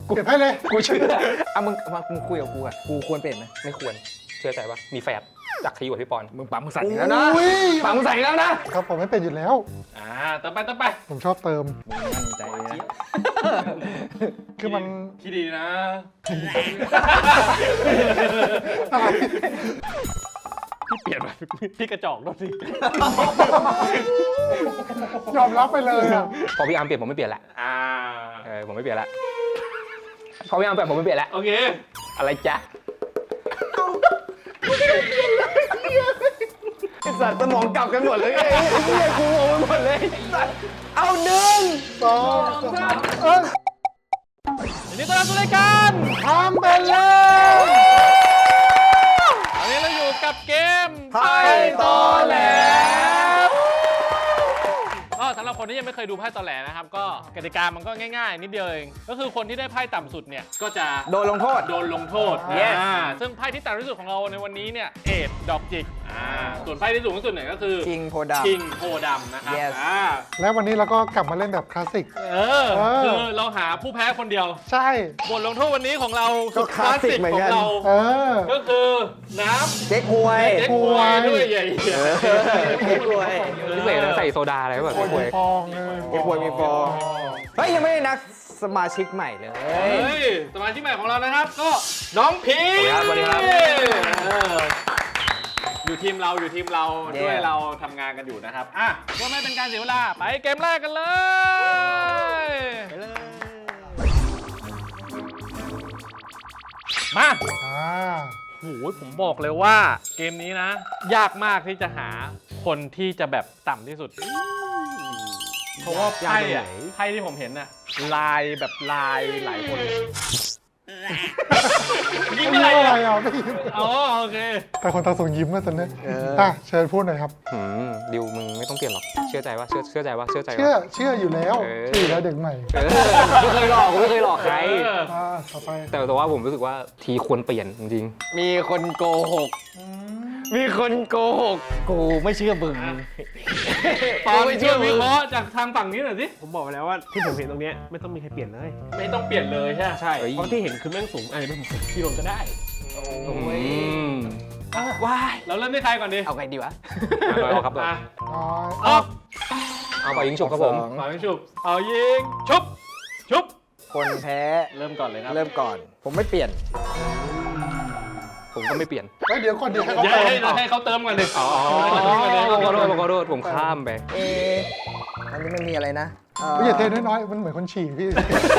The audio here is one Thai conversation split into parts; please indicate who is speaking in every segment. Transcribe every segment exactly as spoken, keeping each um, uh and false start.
Speaker 1: เปลี่ยนให้เลย
Speaker 2: กูเชื่อเอามึงมามึงคุยกับกูอะกูควรเปลี่ยนไหมไม่ควรเชื่อใจปะมีแฟดจากทีกว่าพี่ปอนมึงปั๊มมึงสั่นแล้วนะปั๊มมึงสั่นแล้วนะครับ
Speaker 1: ผมไม่เป็นอยู่แล้ว
Speaker 3: อ่าต่อไปต่อไป
Speaker 1: ผมชอบเติม
Speaker 2: มึงมั่นใจนะ
Speaker 1: คือมัน
Speaker 3: คิดดีนะ
Speaker 1: อะไร
Speaker 3: พี่เปลี่ยนไปพี่กระจอกด้วยสิ
Speaker 1: ยอมรับไปเลยอ่ะ
Speaker 2: พอพี่อาร์มเปลี่ยนผมไม่เปลี่ยนละ
Speaker 3: อ่า
Speaker 2: เออผมไม่เปลี่ยนละพอพี่อาร์มเปลี่ยนผมไม่เปลี่ยนละ
Speaker 3: โอเค
Speaker 2: อะไรจ๊ะไอ้สัตว์สมองกลับกันหมดเลยไอ้เหี้ยกูงงไปหมดเลยเอาหนึ่ง
Speaker 1: สองสามเออ
Speaker 3: วันนี้ต้อนรับสู่รายการ
Speaker 1: ทำเป็นเลย
Speaker 3: วันนี้เราอยู่กับเกม
Speaker 2: ไพ่ตอแหล
Speaker 3: ก็สำหรับคนที่ยังไม่เคยดูไพ่ตอแหลนะครับก็กติกามันก็ง่ายๆนิดเดียวเองก็คือคนที่ได้ไพ่ต่ำสุดเนี่ยก็จะ
Speaker 2: โดนลงโทษ
Speaker 3: โดนลงโทษ
Speaker 2: Yes
Speaker 3: อ่าซึ่งไพ่ที่ต่ำที่สุดของเราในวันนี้เนี่ยเอดดอกจิกอ่าส่วนไพ่ที่สูงที่สุดเนี่ยก็คือ
Speaker 2: คิงโพดา
Speaker 3: คิงโพดำนะครับ
Speaker 2: Yes
Speaker 3: อ่า
Speaker 1: แล้ววันนี้เราก็กลับมาเล่นแบบคลาสสิก
Speaker 3: เออ
Speaker 1: เออ
Speaker 3: คือเราหาผู้แพ้คนเดียว
Speaker 1: ใช่
Speaker 3: บทลงโทษวันนี้ของเรา
Speaker 2: ก็คลาสสิกเหมือน
Speaker 3: ข
Speaker 2: กั
Speaker 3: อน งเรา
Speaker 1: เออ
Speaker 3: ก็คือน้ำ
Speaker 2: เจ๊กฮวย
Speaker 3: เจ๊กฮวยด้วยใหญ่
Speaker 2: เจ๊กฮวยพิเศษใส่โซดาอะไรแบบ
Speaker 1: โอ้ยฟองเลย
Speaker 2: เจ๊กฮวยมีฟองเฮ้ยยังไม่ได้นักสมาชิกใหม่เลย
Speaker 3: เฮ้ยสมาชิกใหม่ของเรานะครับก็น้องพี
Speaker 2: สวัสดีครับ
Speaker 3: เอออยู่ทีมเราอยู่ทีมเรา
Speaker 2: เย้
Speaker 3: ด้วยเราทำงานกันอยู่นะครับอ่ะเพื่อไม่เป็นการเสียเวลาไปเกมแรกกันเลย
Speaker 2: ไปเลย
Speaker 3: มา
Speaker 1: อ่า
Speaker 3: โอ้โหผมบอกเลยว่าเกมนี้นะ ยากมากที่จะหาคนที่จะแบบต่ำที่สุด เพราะว่าไพ่อะไพ่ที่ผมเห็นอะลายแบบลายหลายคนยิ้ม
Speaker 1: ไม่
Speaker 3: อะไร
Speaker 1: รู้อะไร
Speaker 3: อะ
Speaker 1: อ่ะไม่ยิ้ม
Speaker 3: อ๋อโอเค
Speaker 1: แต่คนตาส่งยิ้มมาตอนนี้อ่ะเชิญพูดหน่อยครับ
Speaker 2: หืมดิวมึงไม่ต้องเปลี่ยนหรอกเชื่อใจว่าเชื่อเชื่อใจว่าเชื่อใจ
Speaker 1: เชื่อ
Speaker 2: ว่า
Speaker 1: เชื่ออยู่แล้ว
Speaker 2: เออ
Speaker 1: เชื่ออยู่แล้วเด็กใหม่
Speaker 2: เออไม่เคยหลอกกูไม่เคยหลอกใคร
Speaker 3: เออ
Speaker 1: อ่าต่อไป
Speaker 2: แต่แต่ว่าผมรู้สึกว่าทีควรเปลี่ยนจริงๆมีคนโกหกมีคนโกหกกูไม่เชื่อมึง
Speaker 3: ปอนเชื่อวิเคราะห์จากทางฝั่งนี้หน่อยสิ
Speaker 4: ผมบอกไปแล้วว่าที่ผมเห็นตรงเนี้ยไม่ต้องมีใครเปลี่ยนเลย
Speaker 3: ไม่ต้องเปลี่ยนเลยใช่ไหม
Speaker 4: ใช่ เพราะที่เห็นคือแม่งสูงอาจจะเป็นผมที่ลงก็ได้
Speaker 2: อืม
Speaker 3: ว้ายเราเริ่มที่ใครก่อนดี
Speaker 2: เอาไงดีวะเอาครับ
Speaker 3: อ่ะ
Speaker 1: น้อย
Speaker 3: ออก
Speaker 2: เอาไปยิงฉุบครับผม
Speaker 3: ฝ่ายยิงฉุบเอายิงชุบชุบ
Speaker 2: คนแพ้
Speaker 3: เริ่มก่อนเลยครับ
Speaker 2: เริ่มก่อน ผมไม่เปลี่ยน ผมก็ไม่เปลี่ยน
Speaker 1: เฮ้ยเดี๋ยวก่อนเดี๋ยวให้เขา
Speaker 3: เดี๋ยว
Speaker 1: เติม
Speaker 3: ให้เราให้เขาเติมก่อนดิ
Speaker 2: อ๋อ
Speaker 3: ให้เขาเติมก่อนดิ
Speaker 2: ขอโทษขอโทษผมข้ามไปเอออันนี้มันมีอะไรนะ
Speaker 1: ไม่อย่าเทน้อยๆมันเหมือนคนฉี่พี่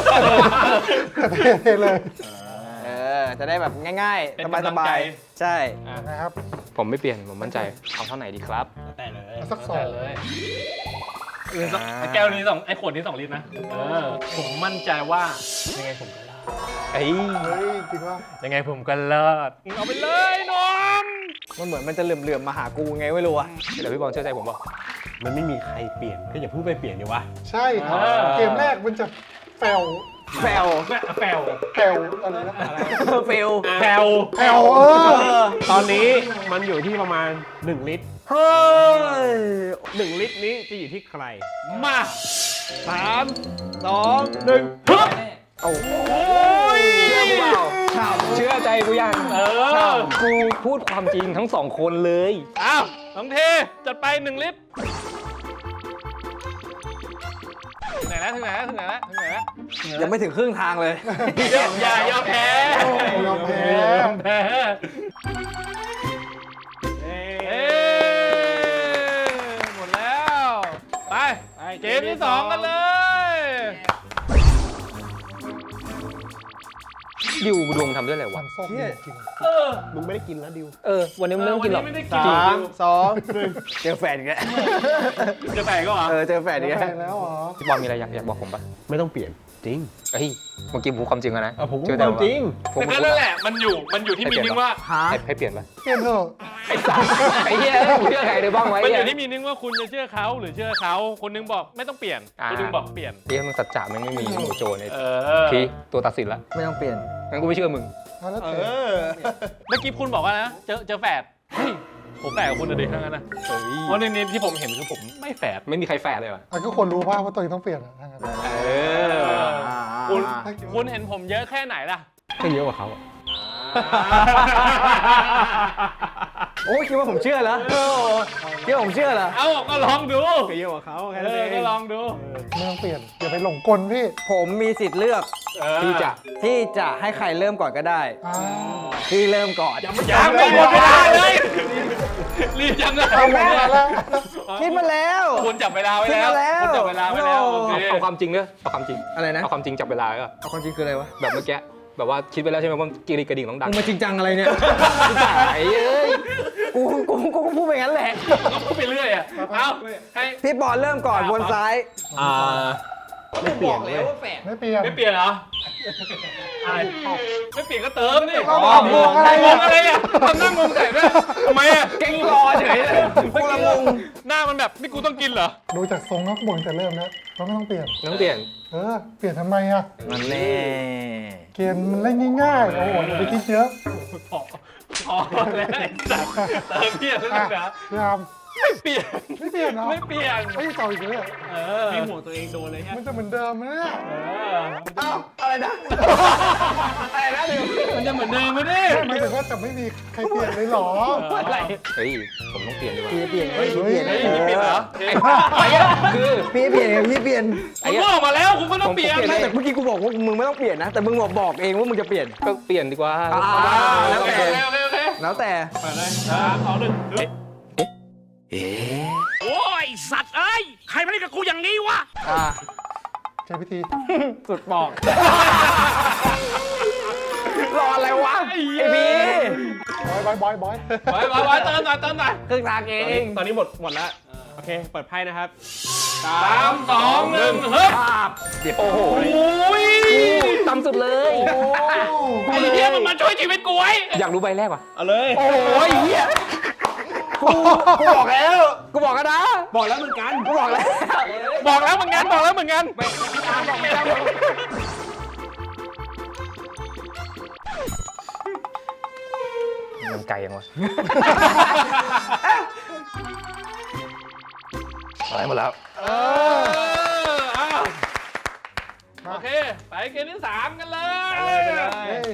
Speaker 1: เทเลย
Speaker 2: เออจะได้แบบง่ายๆ สบายๆ ใช่
Speaker 1: นะครับ
Speaker 2: ผมไม่เปลี่ยน ผมมั่นใจ เอาเท่าไหนดีครับ
Speaker 3: แต่เลย
Speaker 1: สักสอง
Speaker 3: แต่เลยเออไอ้แก้วนี้สองไอ้ขวดนี้สองลิตรนะเออผมมั่นใจว่ายังไงผมก็รอด
Speaker 2: เอ้ย
Speaker 1: เฮ้ยจริงว่า
Speaker 3: ยังไงผมก็รอดเอาไปเลยน้อง
Speaker 2: มันเหมือนมันจะเหลื่อมๆมาหากูไงไม่รู้อะเดี๋ยวพี่บอลเชื่อใจผมบอก
Speaker 4: มันไม่มีใครเปลี่ยนก็อย่าเพิ่งไปเปลี่ยนดีวะ
Speaker 1: ใช่ครับเกมแรกมันจะแฟล
Speaker 2: แฟล
Speaker 3: แม่แปลว
Speaker 1: แฟลอะไรนะ
Speaker 2: เฟล
Speaker 3: แปลว
Speaker 1: แฟลเออ
Speaker 4: ตอนนี้มันอยู่ที่ประมาณหนึ่งลิตร
Speaker 2: เฮ้ย
Speaker 4: หนึ่งลิตรนี้จะอยู่ที่ใคร
Speaker 3: มา
Speaker 4: สาม
Speaker 2: สอง
Speaker 4: หนึ่ง
Speaker 3: ฮึบ
Speaker 2: โอ้โห
Speaker 3: โอ้ย
Speaker 2: เชื่อกูเปล่าเชื่อใจกูยัง
Speaker 3: เออ
Speaker 2: กูพูดความจริงทั้งสองคนเลย
Speaker 3: อ้าวน้องเทจัดไปหนึ่งลิตรถึงไหนแล้วถึงไหนแล้วถึงไหนแล้วถึงไหนแล้ว
Speaker 2: ยังไม่ถึงครึ่งทางเลย
Speaker 3: อย่าอย่ายอมแพ้
Speaker 1: ยอมแพ้
Speaker 3: ยอมแพ้เอ้หมดแล้ว ไป เกมที่สองกันเลย
Speaker 2: ดิวดวงทำด้วยอะไร
Speaker 1: หวั
Speaker 2: วะ
Speaker 1: งส้มจริง
Speaker 3: เออ
Speaker 4: มึงไม่ได้กินแล้วดิว
Speaker 2: เออ วันนี้มึงไม่ต้องกินหรอก
Speaker 3: วันนี้ไม่ได้กิน
Speaker 2: สามสองหนึ่งเจอแฟนอีกแล้ว
Speaker 3: จะแตกก็เหรอ
Speaker 2: เออ เจอแฟน
Speaker 1: ๆ
Speaker 2: อีก
Speaker 1: แฟ
Speaker 2: แล้ว
Speaker 1: นแล้วเหรอ
Speaker 2: พี่บอลมีอะไรอยากอยากบอกผมปะ
Speaker 4: ไม่ต้องเปลี่ยนจริง
Speaker 2: เฮ้ยเมื่อกี้ผมพูดความจริงแล้วนะ
Speaker 4: อ่ะผมพูด
Speaker 2: เชื่อ
Speaker 4: ค
Speaker 2: ใจ
Speaker 4: วามจริง
Speaker 2: ผม
Speaker 3: แต่
Speaker 2: พูด
Speaker 3: นั่นแหละ มันอยู่ มันอยู่ที่มีนิ่งว่า
Speaker 2: ให้ให้เปลี่ยนปะ
Speaker 1: เปลี่ยนเถอะ
Speaker 2: ไอ้สัสไอ้เหี้ยกูเชื่อใครได้บ้างไว้
Speaker 3: มันอ
Speaker 2: เนี่ย
Speaker 3: ยู่ที่มีนิ่งว่าคุณจะเชื่อเขาหรือเชื่อเขา คนนึงบอกไม่ต้องเปลี่ยน
Speaker 2: อ่า
Speaker 3: คนนึงบอกเปลี่ยน
Speaker 2: เฮ้ยมึงสัจจะมันไม่มีหนูโจใน
Speaker 3: เออ
Speaker 2: ทีตัวตัดสินละไม่ต้องเปลี่ยนงั้นกูไม่เชื่อมึง
Speaker 1: เอาแล้วแต่
Speaker 3: เมื่อกี้คุณบอกว่านะ เจอเจอแฝดเฮ้ยผมแฝดกับคุณเลยทั้งนั้นนะ
Speaker 2: เฮ้ย
Speaker 3: เพราะในนี้ที่ผมเห็นคือผมไม่แฝด
Speaker 2: ไม่มีใครแฝดเลยว่ะ
Speaker 1: อ่ะก็คนรู้ว่าว่าตัวเองต้องเปลี่ยนอ่ะทั้งนั้น
Speaker 2: เออ
Speaker 3: คุณ
Speaker 1: อ่า
Speaker 3: คุณเห็นผมเยอะแค่ไหนล่ะ
Speaker 4: ก็เยอะกว่าเขาอะ
Speaker 2: โอ้คิดว่าผมเชื่อเหรอคิดว่าผมเชื่อเหรอ
Speaker 3: เอาก็ลองดู
Speaker 4: ก็เยอะกว่าเขาแค่
Speaker 3: เอ
Speaker 4: นั้น
Speaker 3: อ
Speaker 4: เอง
Speaker 3: ก็ลองดู
Speaker 1: ไม่ต้องเปลี่ยนอย่าไปหลงกลพี่
Speaker 5: ผมมีสิทธิ์เลือก
Speaker 2: ที่จะ
Speaker 5: ที่จะให้ใครเริ่มก่อนก็ได้
Speaker 1: อ่า
Speaker 5: ที่เริ่มก่อน
Speaker 3: ยังไม่หมดเวลาเลยรีบยังเลย
Speaker 1: เอาหมดเวลาแล้ว
Speaker 5: คิดมาแล้ว
Speaker 3: คุณจับเวลาไว้แล้ว
Speaker 5: คิดมาแล้ว
Speaker 3: คุณจับเวลาไว้แล้ว
Speaker 5: โอ้
Speaker 3: โอเค
Speaker 2: เอาความจริงเนอะเอาความจริง
Speaker 5: อะไรนะ
Speaker 2: เอาความจริงจับเวลาก็
Speaker 5: เอาความจริงคืออะไรวะ
Speaker 2: แบบเมื่อกี้แบบว่าคิดไปแล้วใช่ไหมว่ากีรีกระดิ่งต้องดัง
Speaker 5: มึงมาจริงจังอะไรเนี่ย
Speaker 2: ไอ้เอ้ย
Speaker 5: กูกูกูก็พูดไปงั้นแหละ
Speaker 3: ก็พูดไปเรื่อยอ่ะเอาให้
Speaker 5: พี่บอลเริ่มก่อนวนซ้าย
Speaker 2: อ่า
Speaker 4: ไม่เปลี่ยนเลย
Speaker 1: ไม่เปลี่ยน
Speaker 3: ไม่เปลี่ยนเหรออะไรไม่เปลี่ยนก็เติมนี่
Speaker 1: ก็บอกงงอะไร
Speaker 3: ง
Speaker 1: อ่ะ
Speaker 3: งอะไรอ่ะทำหน้างงใส่ด้วยทำไมอ่ะเก่งรอเฉยเลย
Speaker 5: กูละงง
Speaker 3: หน้ามันแบบนี่กูต้องกินเหรอ
Speaker 1: ดูจากทรงนักบ่นแต่เริ่มแล้วเราไม่ต้องเปลี่ยน
Speaker 2: ต้องเปลี่ยน
Speaker 1: เออ เปลี่ยนทำไมอ่ะ
Speaker 5: มันแน่
Speaker 1: เกมมันเล่นง่ายๆ โอ้โหอย่าไปคิดเยอะ
Speaker 3: พอพอแล้วไอ้สัตว์เติมเปลี่ยนแล้ว
Speaker 1: อ่ะ
Speaker 3: นะ
Speaker 1: พี่อาม
Speaker 3: ไม่เปลี่ยน
Speaker 1: ไม่เปลี่ยนเนาะ
Speaker 3: ไม่เปลี่ยน
Speaker 1: ไม่ต่ออีกเลยอะ
Speaker 3: เออ
Speaker 4: ให้หัวตัวเองโดนเลยฮะ
Speaker 1: มันจะเหมือนเดิมไหมเนี่ย
Speaker 3: เออ
Speaker 5: อ้าวอะไรนะ อะไรนะเดี๋ยว
Speaker 3: มันจะเหมือนเดิมไหมดิ
Speaker 1: หมายถึงว่าจะไม่มีใครเปลี่ยนเลยเหรอ
Speaker 3: อะไร
Speaker 2: เฮ้ยผมต้องเปลี่ยนดีกว่า
Speaker 5: พี่เปลี่ยนเฮ้ยพี่เปลี่ยน
Speaker 3: เฮ้ยมีเปลี่ยนเหรอ
Speaker 2: ไอ้ไอ้อะคือ
Speaker 5: พี่เปลี่ยนพี่เปลี่ยน
Speaker 3: คุณก็ออกมาแล้วคุณก็ต้องเปลี่ยน
Speaker 5: ไม่แต่เมื่อกี้กูบอกว่ามึงไม่ต้องเปลี่ยนนะ แต่มึงบอกบอกเองว่ามึงจะเปลี่ยน
Speaker 2: ก็เปลี่ยนดีกว่า
Speaker 5: อ่า
Speaker 3: โอ
Speaker 5: แล้ว
Speaker 3: เค
Speaker 5: แต่
Speaker 3: โอเคโอเค
Speaker 5: แล้วแต่
Speaker 3: เปิดเลยสามสองหนึ่งเอ๊ะโอ้ยสัตว์เอ้ยใครมาเล่นกับกูอย่างนี้วะ
Speaker 5: อ่า
Speaker 1: ใช้วิธี
Speaker 5: สุดบอก รออะไรวะ ไอ้บี
Speaker 1: บอยบอยบอย
Speaker 3: ไว้ไว้ไว้เติมหน่อยเติมหน่อย
Speaker 5: ครึ่งทางเอ
Speaker 4: ตอนนี้
Speaker 5: ง
Speaker 4: ตอนนี้หมดหมดแล้ว โอเค เปิดไพ่นะครับ
Speaker 3: สามสองหนึ่งเฮ้ย
Speaker 2: โอ้โห
Speaker 3: โอ้ย
Speaker 2: ต่ำสุดเลย
Speaker 3: ไอ้เหี้ยมันมาช่วยชีวิตกูไว้
Speaker 2: อยากรู้ใบแรกว่ะ
Speaker 4: เอาเลย
Speaker 5: โอ้ยเหี้ยกูกูบอกแล้ว กูบอกกันนะ
Speaker 4: บอกแล้วเหมือนกัน
Speaker 5: กูบอกแล้ว
Speaker 3: บอกแล้วเหมือนกันบอกแล้วเหมือนกัน
Speaker 2: มันไกลยังวะอะไรหมดแล้ว
Speaker 3: เออเอาโอเค ไปเกมที่สามกันเลย
Speaker 1: เฮ้ย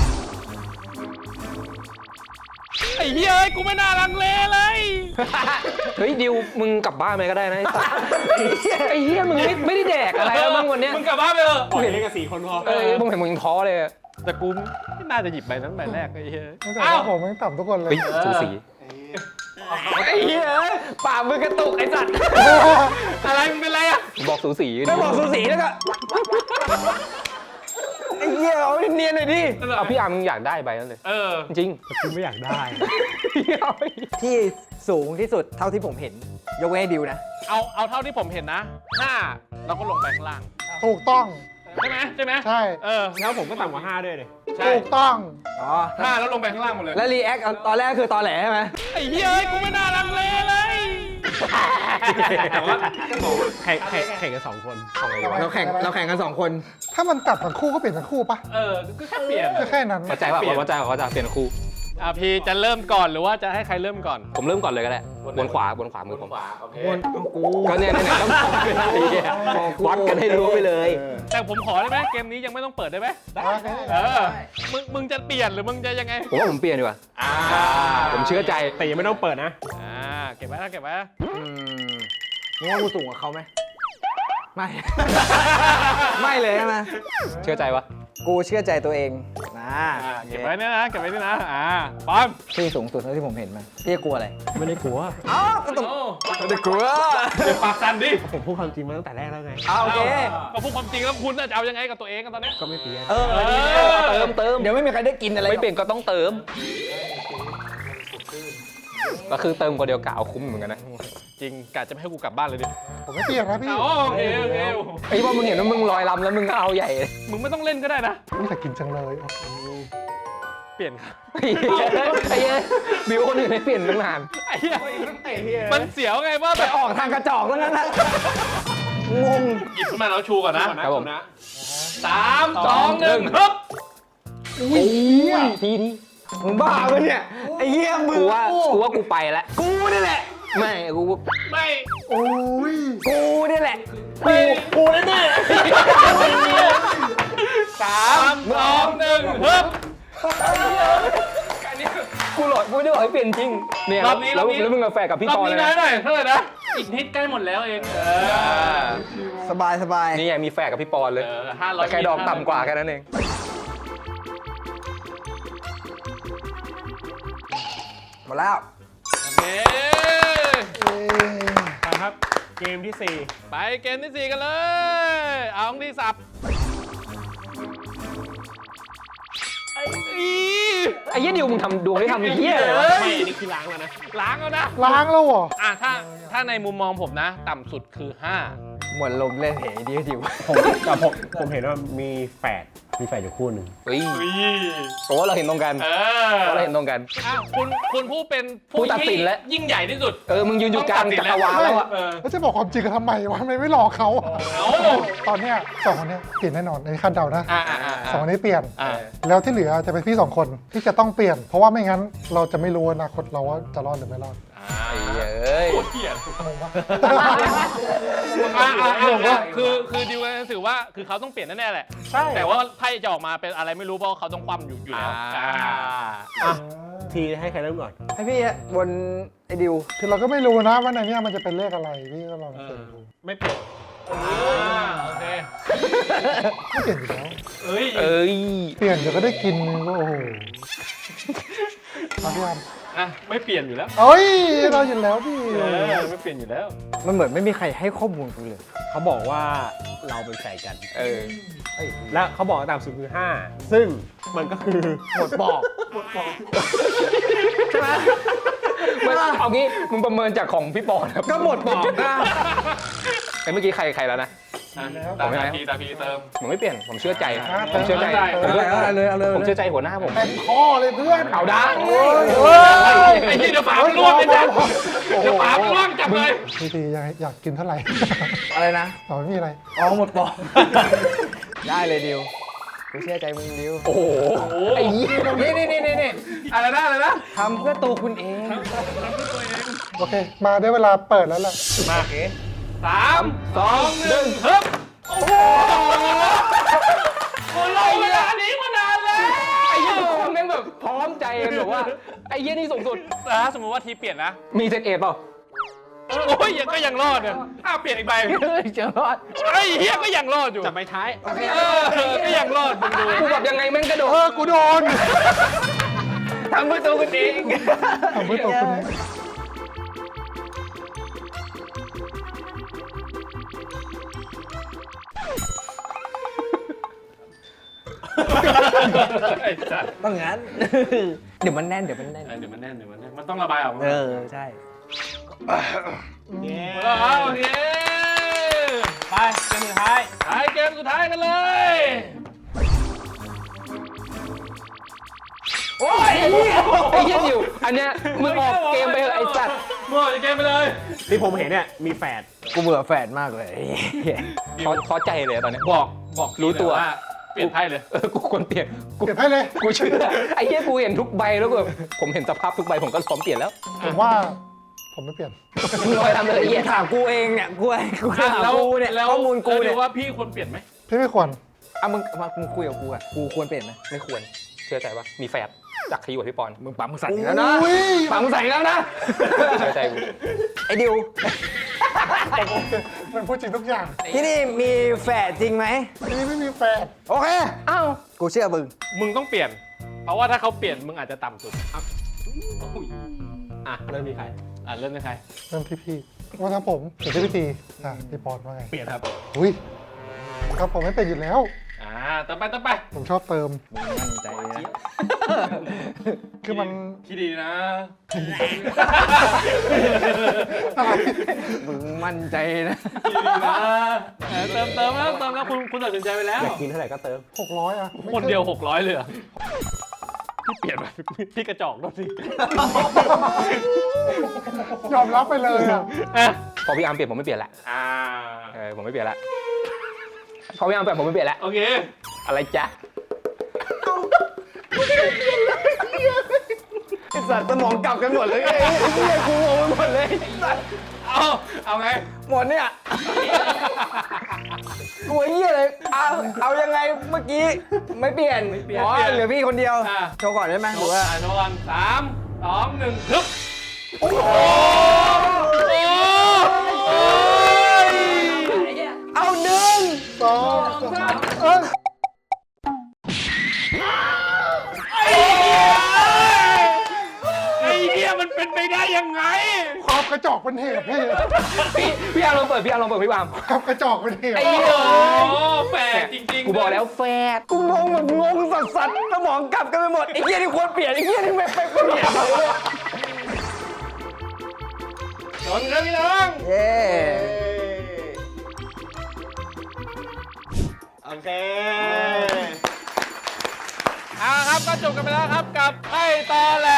Speaker 3: ไอ้เหี้ยเอ้ยกูไม่น่าลังเลเลย
Speaker 2: เฮ้ยดิวมึงกลับบ้านไปก็ได้นะไอ้สัสไอ้เหี้ยมึงไม่ไม่ได้แดกอะไรแล้วมั้งวันเนี้ย
Speaker 3: มึงกลับบ้านไปเถอะ
Speaker 4: ปล่อยเล่นกันสี่คนพอ
Speaker 2: เออมึงเห็นมึงยังท้อเลยอะ
Speaker 3: แต่กูไม่น่าจะหยิบใบนั้นใบแรกไอ้เหี้ย
Speaker 1: ตั้งแต่ว่าผมไม่ต่ำทุกคนเลย
Speaker 2: เฮ้ยสูสี
Speaker 5: ไอ้เหี้ยปากมึงกระตุกไอ้สัตว์
Speaker 3: อะไรมึงเป็นไรอะ
Speaker 2: บอกสูสี
Speaker 5: ไม่บอกสูสีแล้วก็ไอ้เหี้ยเอาเนียนหน่อยดิ
Speaker 2: เอาพี่อาร์มมึงอยากได้ใบนั้นเลย
Speaker 3: เออ
Speaker 2: จริง
Speaker 4: คุณไม่อยากได้
Speaker 5: ที่สูงที่สุดเท่าที่ผมเห็น ยกเว้นให้ดิวนะ
Speaker 3: เอาเอาเท่าที่ผมเห็นนะห้าเราก็ลงไปข้างล่าง
Speaker 1: ถูกต้อง
Speaker 3: ใช่ไหมใช่ไหม
Speaker 1: ใช่
Speaker 3: เออ
Speaker 4: แล้วผมก็ต่ำกว่าห้าด้วยเลย
Speaker 3: ใช่
Speaker 1: ถูกต้อง
Speaker 5: อ๋อ
Speaker 3: ห้าแล้วลงไปข้างล่างหมดเลย
Speaker 5: แล้วรีแอคตอนแรกคือตอนแหลใช่ไหม
Speaker 3: ไอ้เหี้ยเอ้ยกูไม่น่าลังเลเลย
Speaker 4: แต่ว่าแข่งแข่งแข่งกันสองคน
Speaker 2: เอาไงดีวะ
Speaker 5: เราแข่งเราแข่งกันสองคน
Speaker 1: ถ้ามันตัดทั้งคู่ก็เปลี่ยนทั้งคู่ปะ
Speaker 3: เออก็แค่เปลี่ยน
Speaker 1: ก็แค่นั้น
Speaker 2: เข้าใจว่าเข้าใจว่าจะเปลี่ยนคู่
Speaker 3: อ่ะพี่จะเริ่มก่อนหรือว่าจะให้ใครเริ่มก่อน
Speaker 2: ผมเริ่มก่อนเลยก็ได้บนขวาบนขวามือผม
Speaker 5: วนกู
Speaker 2: ก็เนี่ยเนี่ยต้องบอกกันไอ้เหี้ยวัดกันให้รู้ไปเลย
Speaker 3: แต่ผมขอได้ไหมเกมนี้ยังไม่ต้องเปิดได้ไหม
Speaker 1: ได้
Speaker 3: เออมึงมึงจะเปลี่ยนหรือมึงจะยังไง
Speaker 2: ผมว่าผมเปลี่ยนดีกว่า
Speaker 3: อ่า
Speaker 2: ผมเชื่อใจ
Speaker 4: แต่ยังไม่ต้องเปิดนะ
Speaker 3: อ่าเก็บไว้นะเก็บไว้นะ
Speaker 5: อืมมึงว่ากูสูงกว่าเขาไหมไม่ ไม่เลยใช่ไหม
Speaker 2: เชื่อใจวะ
Speaker 5: กูเชื่อใจตัวเองนะ
Speaker 3: อ่าเก็บไว้เนี่ยนะเก็บไว้นี่นะอ่าปอน
Speaker 5: ที่สูงสุดเท่าที่ผมเห็นมาพี่กลัวอะไร
Speaker 4: ไม่ได้กลัว
Speaker 5: อ้าวก็ต้อง
Speaker 3: โอ้
Speaker 5: ไม่ได้กลัว
Speaker 3: เดี๋ยวปากสั่นดิ
Speaker 4: ผมพูดความจริงมาตั้งแต่แรกแล้วไง
Speaker 5: อ้าวโอเค
Speaker 3: ก็พูดความจริงแล้วคุณน่ะจะเอายังไงกับตัวเองกันตอนนี้
Speaker 4: ก็ไม่เปลี่ยน
Speaker 5: เออ
Speaker 3: เออ
Speaker 2: เติมเติม
Speaker 5: เดี๋ยวไม่มีใครได้กินอะไร
Speaker 2: ไม่เปลี่ยนก็ต้องเติม ก็คือเติมกว่าเดียวกะเอาคุ้มเหมือนกันนะ
Speaker 3: จริงกะจะไม่ให้กูกลับบ้านเลยดิ
Speaker 1: ผมไม่เปลี่ยนนะพี่
Speaker 3: อ๋อโอเคโอเค
Speaker 2: ไอ้พอมึงเห็นว่ามึงลอยลำแล้วมึงก็เอาใหญ่เลย
Speaker 3: มึงไม่ต้องเล่นก็ได้นะ
Speaker 1: ไม่แต่กินจังเลย
Speaker 3: เปลี่ยนครับ
Speaker 2: ไอ้เหี้ยไอ้เหี้ยบิวคนอื่นให้เปลี่ยนตั้งนาน
Speaker 3: ไอ้เหี้ยมันเสียวไงว่า
Speaker 5: ไป
Speaker 3: แบบ
Speaker 5: ออกทางกระจอกแล้วนั้นนะงง
Speaker 3: หยิบขึ้นมาแล้วชูก่อนนะครับ
Speaker 2: ผม
Speaker 3: สามสองหนึ่งฮึบ
Speaker 2: อุ้ยทีที
Speaker 5: มึงบ้าปะเนี่ยไอ้เหี้ยมึง
Speaker 2: กูว่ากูว่ากูไปแล้ว
Speaker 5: กูนี่แหละ
Speaker 2: ไม่กู
Speaker 3: ไม่
Speaker 1: โอ้ย
Speaker 2: กูนี่แหละ
Speaker 3: กูกูแน่แน่สามสองหนึ่งฮึบ
Speaker 2: อันนี้กูหลอดกูจะบอกให้เปลี่ยนจริงเนี่ย
Speaker 3: รอบนี้ร
Speaker 2: แล้
Speaker 3: อ
Speaker 2: ว
Speaker 3: บนี้
Speaker 2: แล้วมึงกาแฟกับพี่
Speaker 3: รอบ
Speaker 2: ปอ
Speaker 3: นี้
Speaker 2: เลย
Speaker 3: น้อย
Speaker 2: นะ
Speaker 3: หน่อยเท่าไหร่นะอีกนิดใกล้หมดแล้วเองเออ
Speaker 5: สบายสบาย
Speaker 2: นี่ไงมีแฝกกับพี่ปอนเลย
Speaker 3: เออห้าร้อย
Speaker 2: แต่แค่ดอกต่ำกว่าแค่นั้นเอง
Speaker 5: หมดแล้ว
Speaker 3: โอเค
Speaker 4: ไปครับ เกมที่สี่
Speaker 3: ไปเกมที่สี่กันเลยเอาของที่สับไอ้อี
Speaker 2: ไอ้เหี้ยดิวมึงทำดวงที่ทำเหี้ยเลยวะ
Speaker 4: ไม่อันนี้คือล้างแล้วนะ
Speaker 3: ล้างแล้วนะ
Speaker 1: ล้างแล้วเหรอ
Speaker 3: อ่ะถ้าถ้าในมุมมองผมนะ ต่ำสุดคือห้า
Speaker 5: หมดลมเล่นเหดีดิว
Speaker 4: ผมแต่ผมผมเห็นว่ามีแฝดมีแฝดอยู่คู่หนึ่ง
Speaker 2: เฮ้ยเพราะว่าเราเห็นตรงกัน
Speaker 3: เอ
Speaker 2: เพ
Speaker 3: อ
Speaker 2: ราะเราเห็นตรงกัน
Speaker 3: อ่ะคุณคุณผู้เป็น
Speaker 2: ผู้ตัดสินแล้ว
Speaker 3: ยิ่งใหญ่ที่สุด
Speaker 2: เออมึงยืนอยู่กลางจักรวาลแล้วอะ
Speaker 3: เออ
Speaker 1: แล้วจะบอกความจริงกันทำไมวะทำไมไม่หลอกเขา
Speaker 3: เอา
Speaker 1: ตอนเนี้ยสองคนเนี้ยเปลี่ยนแน่นอนอันนี้คาดเดานะ
Speaker 3: อ่าอ่าอ่า
Speaker 1: สองคนนี้เปลี่ยน
Speaker 3: อ่า
Speaker 1: แล้วที่เหลือจะเป็นพี่สองคนที่จะต้องเปลี่ยน เพราะว่าไม่งั้นเราจะไม่รู้อนาคตเราว่าจะรอดหรือไม่รอด
Speaker 2: ไอ้เหี้ยเอ้ย
Speaker 3: โคตรเกลียด
Speaker 1: งงปะ
Speaker 3: อ่าอ่าอ่าคือคือดิวกันถือว่าคือเขาต้องเปลี่ยนแน่ๆแหละ
Speaker 4: ใช่
Speaker 3: แต่ว่าไพ่จะออกมาเป็นอะไรไม่รู้เพราะเขาต้องคว่ำอยู่อยู่แล้วอ่า
Speaker 4: อ่ะทีให้ใครเริ่มก่อน
Speaker 5: ให้พี่อะบนไอ้ดิว
Speaker 1: คือเราก็ไม่รู้นะว่าในเนี้ยมันจะเป็นเลขอะไรพี่ก็ลองเสี่ยงดู
Speaker 4: ไม่เปลี่ยน
Speaker 3: โอเค
Speaker 1: ไม่เปลี่ยนอยู่แล้ว
Speaker 3: เอ้ย
Speaker 2: เอ้ย
Speaker 1: เปลี่ยนเดี๋ยวก็ได้กินก็โอ้โหเอาพี่อัน
Speaker 3: อ่ะไม่เปลี่ยนอยู่แล้ว
Speaker 1: เอ้ยเราอยู่แล้วพี่
Speaker 3: เออไม่เปลี่ยนอยู่แล้ว
Speaker 5: มันเหมือนไม่มีใครให้ข้อมูลกูเลย
Speaker 4: เขาบอกว่าเราเป็นแฝดกัน
Speaker 2: เออ
Speaker 4: และเขาบอกว่าต่ำสุดคือห้าซึ่งมันก็คือ
Speaker 5: หมดปอก
Speaker 2: ใช่ไหมมึงเอางี้มึงประเมินจากของพี่ปอนครับ
Speaker 5: ก็หมดปอกนะ
Speaker 2: ไอ้เมื่อกี้ใครใครแล้วนะ
Speaker 3: ตาพีตาพีเติม
Speaker 2: ผมไม่เปลี่ยนผมเชื่อใจ
Speaker 1: อ่ะ
Speaker 2: ผมเชื่อใจ
Speaker 3: ได้
Speaker 2: ผมเชื่อ
Speaker 5: เอาเลยเอาเลย
Speaker 2: ผมเชื่อใจหัวหน้าผม
Speaker 1: เต็มข้อเลยเพื่อน
Speaker 2: เอาได้
Speaker 1: โอ้ย
Speaker 2: เฮ้ย
Speaker 3: ไอ้ยี่เดี๋ยวฝามันร่วงไปจ้ะเดี๋ยวฝามันร่วงจับเลย
Speaker 1: พี่ทีอยากอยากกินเท่าไหร่
Speaker 5: อะไรนะ
Speaker 1: ต่อไม่มีอะไร
Speaker 5: อ๋อหมดปอกได้เลยดิวกูเชื่อใจมึงดิว
Speaker 2: โอ้โหไอ้เหี้ย
Speaker 5: นี่นี่นี่นี่นี่
Speaker 3: อะไรนะอะไรนะ
Speaker 5: ทำเพื่อตัวคุณเอง
Speaker 1: โอเค มาได้เวลาเปิดแล้วแหละ
Speaker 3: มาสามสองหนึ่งฮึบโอ้โหคนรอเวลานี้มานานแล้ว
Speaker 2: ไอ้เหี้ยทุกคนแม่งแบบพร้อมใจกันแบบว่าไอ้เหี้ยนี่สูงสุด
Speaker 3: ถ้าสมมติว่าทีเปลี่ยนนะ
Speaker 2: มีเซตเอเปล่า
Speaker 3: โอ้ยยังก็ยังรอดเนี่ยถ้าเปลี่ยนอีกใบ
Speaker 2: เจอรอด
Speaker 3: ไอ้เฮียก็ยังรอดอยู่
Speaker 4: จับใบท้าย
Speaker 3: เออก็ยังรอดมึงดู
Speaker 2: กูแบบยังไงแม่งกระโดด
Speaker 1: เออกูโดน
Speaker 2: ทำเพื่อตัวกูเอง
Speaker 1: ทำเพื่อตัวคุณเอง
Speaker 3: ไอ้สัตว์
Speaker 5: ต้องงั้น เดี๋ยวมันแน่นเดี๋ยวมันแน่น
Speaker 3: เดี๋ยวมันแน่นเดี๋ยวมันแน่นมันต้องระบายออกมา
Speaker 5: เออใช่
Speaker 3: โอเค
Speaker 4: ไปเกมสุดท้าย
Speaker 3: ท้ายเกมสุดท้ายกันเลย
Speaker 2: โอ้ยไอ้เหี้ยไอ้เหี้ยดิวอันเนี้ยมึงออกเกมไปเถอะไอ้สัตว์
Speaker 3: หมดเกมไปเลย
Speaker 4: ที่ผมเห็นเนี่ยมีแฝด
Speaker 5: กูเบื่อแฟนมากเลย
Speaker 2: ท้อท้อใจเลยอะตอนเนี้ย
Speaker 3: บอกบอก
Speaker 2: รู้ตัว
Speaker 3: าเปลี่ยนไพ่เลย
Speaker 2: เออกูควรเปลี่ยนกู
Speaker 1: เก็บให้เลย
Speaker 2: กูเชื่อไอ้เหี้ยกูเห็นทุกใบแล้วแบบผมเห็นสภาพทุกใบผมก็พร้อมเปลี่ยนแล้ว
Speaker 1: ผมว่าผมไม่เปลี่ยน
Speaker 2: มึงลอยทำเลยไอ้เหี้ย
Speaker 5: ถามกูเองเนี่ยกูกูถาม
Speaker 3: แล้ว
Speaker 5: กูเนี่ย
Speaker 3: แล้ว
Speaker 5: ข้อมูลกู
Speaker 3: แล้ว
Speaker 5: เนี่ย
Speaker 3: ดูว่าพี่ควรเปลี่ยนไหม
Speaker 1: พี่ไม่ควร
Speaker 5: อ่ะมึงมามึงคุยกับกูอ่ะกูควรเปลี่ยนไหม
Speaker 2: ไม่ควรเชื่อใจปะมีแฝดจากขยี้กับพี่ปอน
Speaker 5: มึงปั๊มมึงสั่นอีกแล้วนะ
Speaker 1: อุ้ย
Speaker 2: ปังใส่แล้วนะเชื่อใจกู
Speaker 5: ไอ้ดิว
Speaker 1: มันพูดจริงทุกอย่าง
Speaker 5: ที่นี่มีแฝดจริงไหม
Speaker 1: ที่นี่ไม่มีแฟน
Speaker 5: โอเค
Speaker 2: อ้าว
Speaker 5: กูเชื่อมึง
Speaker 3: มึงต้องเปลี่ยน เพราะว่าถ้าเขาเปลี่ยนมึงอาจจะต่ำสุดอ่ะ
Speaker 4: อ่ะเริ่มมีใคร
Speaker 3: อ่ะเริ่มเป็นใคร
Speaker 1: เริ่มที่พี่ว่าครับผมเดี๋ยวที่พี่ทีอ่ะพี่ปอนว่าไง
Speaker 4: เปลี่ยนครับ
Speaker 1: อุ้ยครับผมไม่เป็นอยู่แล้ว
Speaker 3: อ่าต่อไปต่อไป
Speaker 1: ผมชอบเติม
Speaker 5: มึงมั่นใจนะ
Speaker 1: คือมัน
Speaker 3: คิดดีนะ
Speaker 1: อะไร
Speaker 5: มึงมั่นใจนะ
Speaker 3: คิดดีนะเออเติมเติมแล้วเติมแล้วคุณคุณตัดสินใจไปแล้ว
Speaker 4: อยากกินเท่าไหร่ก็เติม
Speaker 1: หกร้อยอ่ะไม่
Speaker 3: คน
Speaker 1: ใช่
Speaker 3: เดียวหกร้อยเลยเหรอพี่เปลี่ยนไปพี่กระจอกด้วยสิ
Speaker 1: ยอมรับไปเลยอ่ะ
Speaker 3: อ่ะ
Speaker 2: พอพี่อาร์มเปลี่ยนผมไม่เปลี่ยนละ
Speaker 3: อ่า
Speaker 2: เออผมไม่เปลี่ยนละพอพี่อาร์มเปลี่ยนผมไม่เปลี่ยนละ
Speaker 3: โอเค
Speaker 2: อะไรจ๊ะ
Speaker 1: ส
Speaker 5: สัตว์สมองกลับกันหมดเลยไอ้เหี้ยกูงงไปหมดเลยสัตว์
Speaker 2: เอาเอาไง
Speaker 5: หมดเนี่ยกูไอ้เหี้ยเลยเอาเอายังไงเมื่อกี้ไม่เปลี่ยนอ๋อเหลือพี่คนเดียวโชว์ก่อนได้ไหมหรือว่า
Speaker 3: อ่ะโชว์กันสามสองหนึ่งฮึบโอ้โห
Speaker 5: เอาหนึ่ง
Speaker 1: สองสามเอ้ย
Speaker 3: ไอ้เหี้ยมันเป็นไปได้ยังไง
Speaker 1: ความกระจอกเป็นเหตุพี่
Speaker 2: พี่พี่อาร์ลองเปิดพี่อาร์ลองเปิดพี่วาม
Speaker 1: ความกระจอกเป็นเหตุ
Speaker 2: ไอ้เหี้ย
Speaker 3: โอ้แฝดจริงๆ
Speaker 2: กูบอกแล้วแฟด
Speaker 5: กูงงแบบงงสัสสัสสมองกลับกันไปหมดไอ้เหี้ยที่ควรเปลี่ยนไอ้เหี้ยที่ไม่ไปเปลี่ยน
Speaker 3: ชนครับพี่น้อง
Speaker 5: เย้
Speaker 4: โอเค
Speaker 3: เอาละครับก็จบกันไปแล้วครับกับไพ่ตอแหล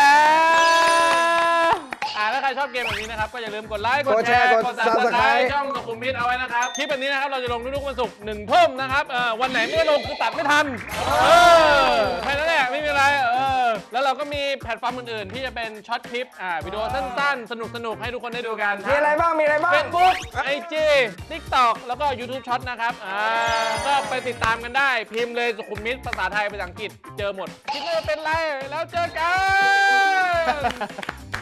Speaker 3: อ่าถ้าใครชอบเกมแบบนี้นะครับก็อย่าลืมกดไลค์ กดแชร์ กด Subscribe ช่องสุขุมวิทเอาไว้นะครับ คลิปแบบนี้นะครับเราจะลงทุกๆวันศุกร์หนึ่งทุ่มนะครับเออวันไหนไม่ได้ลงคือตัดไม่ทัน เออแค่นั้นแหละไม่มีอะไรเออแล้วเราก็มีแพลตฟอร์มอื่นๆ ที่จะเป็นช็อตคลิปอ่าวิดีโอสั้นๆ สนุกๆ ให้ทุกคนได้ดูกัน
Speaker 5: มีอะไรบ้างมีอะไรบ้าง
Speaker 3: เฟซบุ๊กไอจีทิกตอกแล้วก็ YouTube ช็อตนะครับอ่าก็ไปติดตามกันได้ พิมพ์เลยสุขุมวิทภาษาไทยภาษาอังกฤษเจอหมดคิดว่าจะเป็นไรแล้วเจอกัน